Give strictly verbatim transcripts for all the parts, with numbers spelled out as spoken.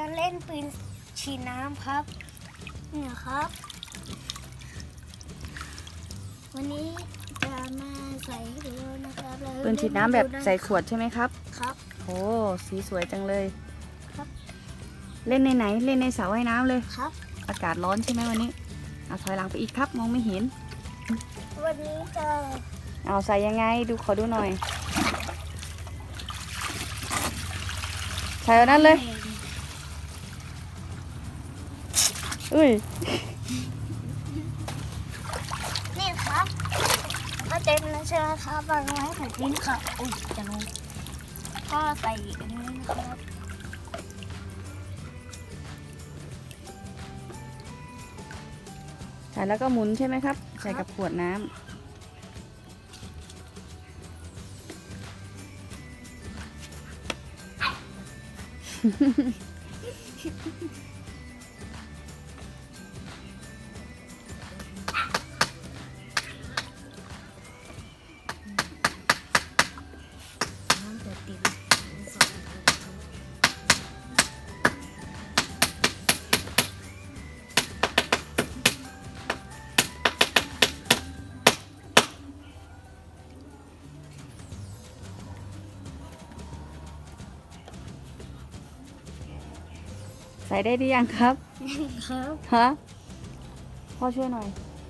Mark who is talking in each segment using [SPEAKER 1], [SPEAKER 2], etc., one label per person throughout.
[SPEAKER 1] จะเล่นปืนฉีดน้ำครับเนี่ยครับวันนี้จะมาใส่ให้ดูนะครับ
[SPEAKER 2] ปืนฉีดน้ำแบบใส่ขวดใช่ไหมครับ
[SPEAKER 1] ครับ
[SPEAKER 2] โอ้สีสวยจังเลย
[SPEAKER 1] ครับ
[SPEAKER 2] เล่นในไหนเล่นในสระว่ายน้ำเลย
[SPEAKER 1] ครับ
[SPEAKER 2] อากาศร้อนใช่ไหมวันนี้เอาถอยหลังไปอีกครับมองไม่เห็น
[SPEAKER 1] วันนี้จะ
[SPEAKER 2] เอาใส่ยังไงดูขอดูหน่อยใส่เอานั้นเลยอุ้ย
[SPEAKER 1] นี่ครับก็เต็มแล้วใช่ไหมครับวางไว้ให้ผมทิ้งครับอุ้ยจะลงก็ใส่อันนี้นะครับ
[SPEAKER 2] ใส่แล้วก็หมุนใช่ไหมครับใส่กับขวดน้ำใส่ได้หรือยังครับ
[SPEAKER 1] ครับ
[SPEAKER 2] ฮะพ่อช่วยหน่อย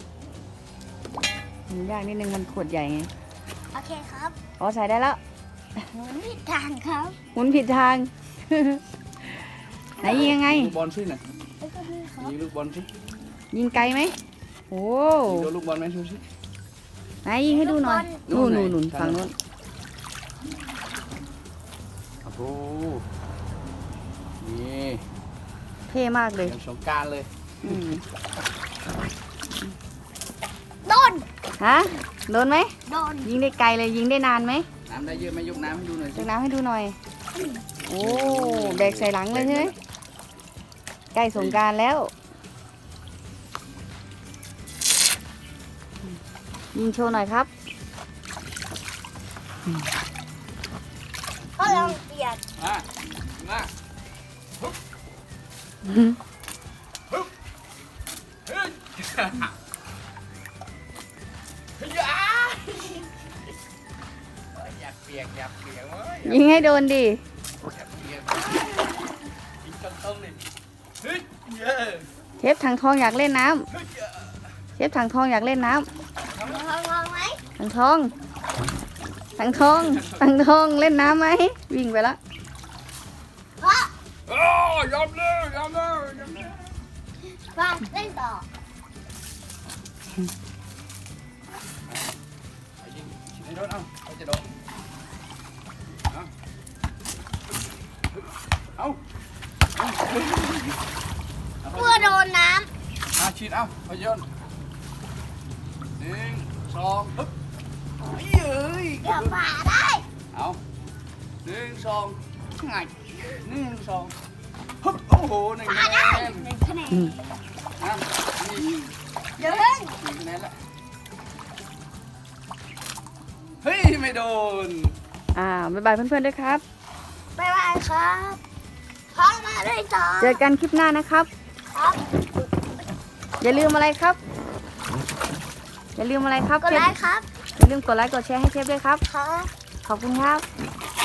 [SPEAKER 2] หมุนยากนิดนึงมันขวดใหญ่ไง
[SPEAKER 1] โอเคครับ
[SPEAKER 2] อ๋อใส่ได้แล้ว
[SPEAKER 1] หมุนผิดทางครับ
[SPEAKER 2] หมุนผิดทาง ไหนยิงยังไง
[SPEAKER 3] ลูกบอลสิน่ะยิงลูกบอลสิ
[SPEAKER 2] ยิงไกลไหมโอ้
[SPEAKER 3] ยิงโดนลูกบอลไหมชูสิ
[SPEAKER 2] ไหนยิงให้ดูหน่อยนู่นนู่นนู่นฝั่งนู้น
[SPEAKER 3] โอ้โหนี่
[SPEAKER 2] เท่มากเลย
[SPEAKER 3] อย่างสงกรานต์เลย
[SPEAKER 2] อืม
[SPEAKER 1] โดน
[SPEAKER 2] ฮะโดนไหม
[SPEAKER 1] โดน
[SPEAKER 2] ยิงได้ไกลเลยยิงได้นานไหม
[SPEAKER 3] น้ำได้เยอะไหมยกน้ำให้ดูหน่อย
[SPEAKER 2] ยกน้ำให้ดูหน่อยโอ้แบกใส่หลังเลยใช่ไหมใกล้สงกรานต์แล้วยิงโชว์หน่อยครับ
[SPEAKER 1] ก็ลองเปลี่ยน
[SPEAKER 3] อ่ะมาอยากเปียกอยากเปียกเว้ย
[SPEAKER 2] ยิงให้โดนดิ
[SPEAKER 3] อยากเปียกยิงต้นๆเลยเฮ้ย
[SPEAKER 2] เชฟถังทองอยากเล่นน้ำเชฟถังทองอยากเล่นน้ำ
[SPEAKER 1] ลองลองไหม
[SPEAKER 2] ถังทองถังทองถังทองเล่นน้ำไหมวิ่งไปละ
[SPEAKER 1] เพราะ
[SPEAKER 3] โอ้ยอมเลยยอมเลยยอมเลย
[SPEAKER 1] มาเล่นต่อ
[SPEAKER 3] ยิงชิดโดนเอาเอาจะโดนเอาเอา
[SPEAKER 1] เพื่อโดนน้
[SPEAKER 3] ำอาชิดเอาเอาโยนหนึ่งสองปึ๊บเย้ย
[SPEAKER 1] ำเดี๋ยวฝ่าได้
[SPEAKER 3] เอาหนึ่งสองไงหนึ่งสองปึ๊บโอ้โหหนึ่งคะแนน
[SPEAKER 1] หนึ่งคะแนน
[SPEAKER 3] นะนี่
[SPEAKER 1] เดี๋ยวเล่น
[SPEAKER 3] หนึ่งคะแนนละเฮ้ยไม่โดน
[SPEAKER 2] อ่าบ๊ายบายเพื่อนๆด้วยครับ
[SPEAKER 1] บ๊ายบายครับพร้อมมาเล่นต่อ
[SPEAKER 2] เจอกันคลิปหน้านะครับ
[SPEAKER 1] ครับ
[SPEAKER 2] อย่าลืมอะไรครับอย่าลืมอะไรครับ
[SPEAKER 1] กดไลค์ครับ
[SPEAKER 2] อย่าลืมกดไลค์กดแชร์ให้เชฟด้วยครับ
[SPEAKER 1] ครับ
[SPEAKER 2] ขอบคุณครับ